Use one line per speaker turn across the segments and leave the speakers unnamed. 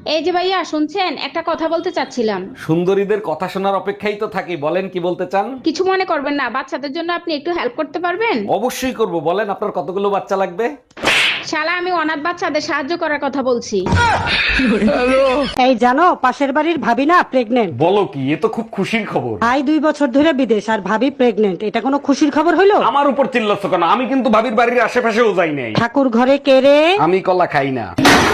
এই যে ভাইয়া শুনছেন, একটা কথা বলতে চাচ্ছিলাম।
সুন্দরীদের কথা শোনার অপেক্ষাই তো থাকি, বলেন কি বলতে চান।
কিছু মনে করবেন না, বাচ্চাদের জন্য আপনি একটু হেল্প করতে পারবেন?
অবশ্যই করব, বলেন আপনার কতগুলো বাচ্চা লাগবে।
শালা, আমি অনাথ বাচ্চাদের সাহায্য করার কথা বলছি।
এই জানো, পাশের বাড়ির ভাবি না প্রেগনেন্ট।
বলো কি, এ তো খুব খুশির খবর।
ভাই 2 বছর ধরে বিদেশ আর ভাবি প্রেগনেন্ট, এটা কোনো খুশির খবর হইলো?
আমার উপর চিল্লাচ্ছ কেন? আমি কিন্তু ভাবির বাড়ির আশেপাশেও যাই নাই।
ঠাকুর ঘরে কেড়ে।
আমি কলা খাই না।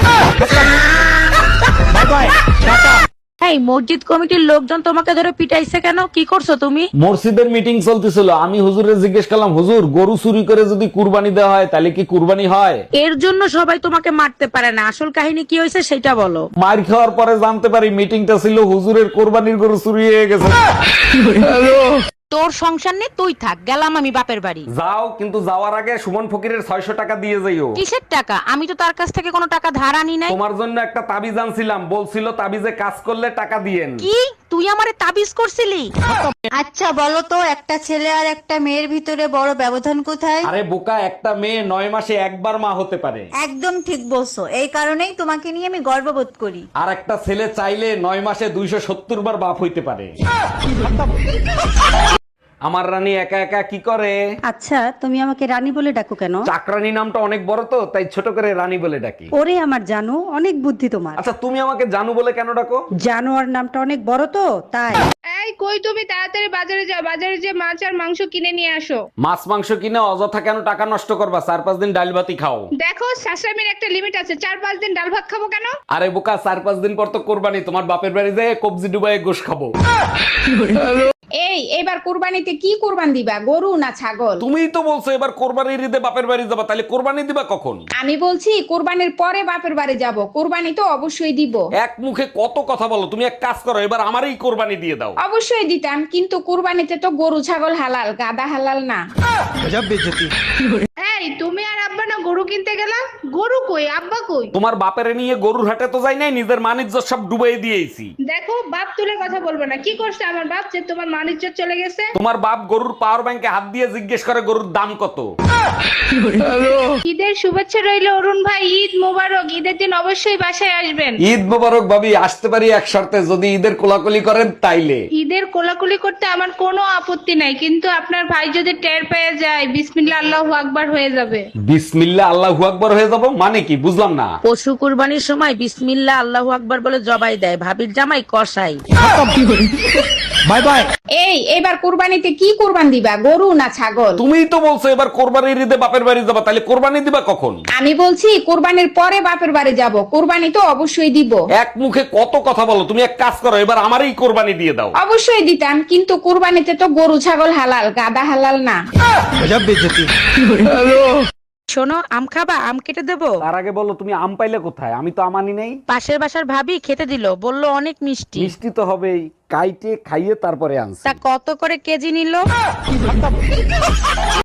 এই মসজিদ কমিটির লোকজন তোমাকে ধরে পিটাইছে কেন? কি করছো তুমি?
মসজিদের মিটিং চলতেছিল, আমি হুজুরে জিজ্ঞেস করলাম, হুজুর গরু চুরি করে যদি কুরবানি দেওয়া হয় তাহলে কি কুরবানি হয়?
এর জন্য সবাই তোমাকে মারতে পারে না, আসল কাহিনী কি হয়েছে সেটা বলো।
মার খাওয়ার পরে জানতে পারি মিটিংটা ছিল হুজুরের কোরবানির গরু চুরি হয়ে গেছে।
তোর সংসার নেই, তুই থাক, গেলাম আমি বাপের বাড়ি।
যাও, কিন্তু যাওয়ার আগে সুমন ফকিরের 600 টাকা দিয়ে যাইও।
কিসের টাকা? আমি তো তার কাছ থেকে কোনো টাকা ধার আনি নাই।
তোমার জন্য একটা তাবিজ আনছিলাম, বলছিল তাবিজে কাজ করলে টাকা দিয়েন।
কি তুই আমারে তাবিজ করছিলি?
আচ্ছা বলো তো, একটা ছেলে আর একটা মেয়ের ভিতরে বড় ব্যবধান কোথায়?
আরে বোকা, একটা মেয়ে 9 মাসে একবার মা হতে পারে।
একদম ঠিক বলছো, এই কারণেই তোমাকে নিয়ে আমি গর্ববোধ করি।
আর একটা ছেলে চাইলে 9 মাসে 270 বার বাপ হইতে পারে। আমার রানী একা একা কি করে?
আচ্ছা, তুমি আমাকে রানী বলে ডাকো কেন?
চাকরানী নামটা অনেক বড় তো, তাই ছোট করে রানী বলে ডাকি।
ওরে আমার জানো, অনেক বুদ্ধি তোমার।
আচ্ছা, তুমি আমাকে জানু বলে কেন ডাকো?
জানোয়ার নামটা অনেক বড় তো, তাই।
এই কই তুমি, তাড়াতাড়ি বাজারে যাও, বাজারে যে মাছ আর মাংস কিনে নিয়ে আসো।
মাছ মাংস কিনে অযথা কেন টাকা নষ্ট করবা? 4-5 দিন ডাল ভাতই খাও।
দেখো, শাশুড়ির একটা লিমিট আছে, 4-5 দিন ডাল ভাত খাবো কেন?
আরে বোকা, 4-5 দিন পর তো কোরবানি, তোমার বাপের বাড়ি যেয়ে কবজি ডুবাই গোশ খাবো।
এই এবার কুরবানিতে কি কুরবান দিবা, গরু না ছাগল?
তুমিই তো বলছো এবার কোরবানির ঈদে বাপের বাড়ি যাবা, তাহলে কোরবানি দিবা কখন?
আমি বলছি কুরবানির পরে বাপের বাড়ি যাব, কুরবানি তো অবশ্যই দিব।
এক মুখে কত কথা বলো, তুমি এক কাজ করো, এবার আমারই কোরবানি দিয়ে দাও।
অবশ্যই দিতাম, কিন্তু কুরবানিতে তো গরু ছাগল হালাল, গাদা হালাল না। এই তুমি আর আব্বা না গরু কিনতে গেলাম, গরু কই, আব্বা কই?
তোমার বাপেরে নিয়ে গরুর হাটে তো যাই নাই, নিজের মানিজ্য সব ডুবাই দিয়েছি।
দেখো, বাপ তুলে কথা বলবে না। কি করছে আমার বাপ যে তোমার মানিজ্য চলে গেছে?
তোমার বাপ গরুর পাওয়ার ব্যাংকে হাত দিয়ে জিজ্ঞেস করে গরুর দাম কত।
ঈদের শুভেচ্ছা রইল অরুণ ভাই, ঈদ মোবারক। ঈদের দিন অবশ্যই বাসায় আসবেন।
ঈদ মোবারক ভাবি, আসতে পারি এক শর্তে, যদি ঈদের কোলাকুলি করেন তাইলে।
ঈদের কোলাকুলি করতে আমার কোনো আপত্তি নাই, কিন্তু আপনার ভাই যদি টের পেয়ে যায়, বিসমিল্লাহ আল্লাহু আকবার হয়ে যাবে।
বিসমিল্লাহ আল্লাহু আকবার হয়ে যাব মানে কি, বুঝলাম না।
পশু কুরবানির সময় বিসমিল্লাহ আল্লাহু আকবার বলে জবাই দেয়, ভাবির জামাই কসাই।
Bye bye.
এই এবার কুরবানিতে কি কুরবান দিবা, গরু না ছাগল?
তুমিই তো বলছো এবার কোরবানির ঈদে বাপের বাড়ি যাবা, তাহলে কোরবানি দিবা কখন?
আমি বলছি কুরবানির পরে বাপের বাড়ি যাব, কুরবানি তো অবশ্যই দিব।
এক মুখে কত কথা বলো, তুমি এক কাজ করো, এবার আমারই কোরবানি দিয়ে দাও।
অবশ্যই দিতাম, কিন্তু কুরবানিতে তো গরু ছাগল হালাল, গাদা হালাল না।
শোনো, আম খাবা? আম কেটে দেবো?
তার আগে বলো, তুমি আম পাইলে কোথায়? আমি তো আমানি নেই।
পাশের বাসার ভাবি খেতে দিল, বলল অনেক মিষ্টি।
মিষ্টি তো হবেই, কাইটে খাইয়ে তারপরে আনছি।
তা কত করে কেজি নিল?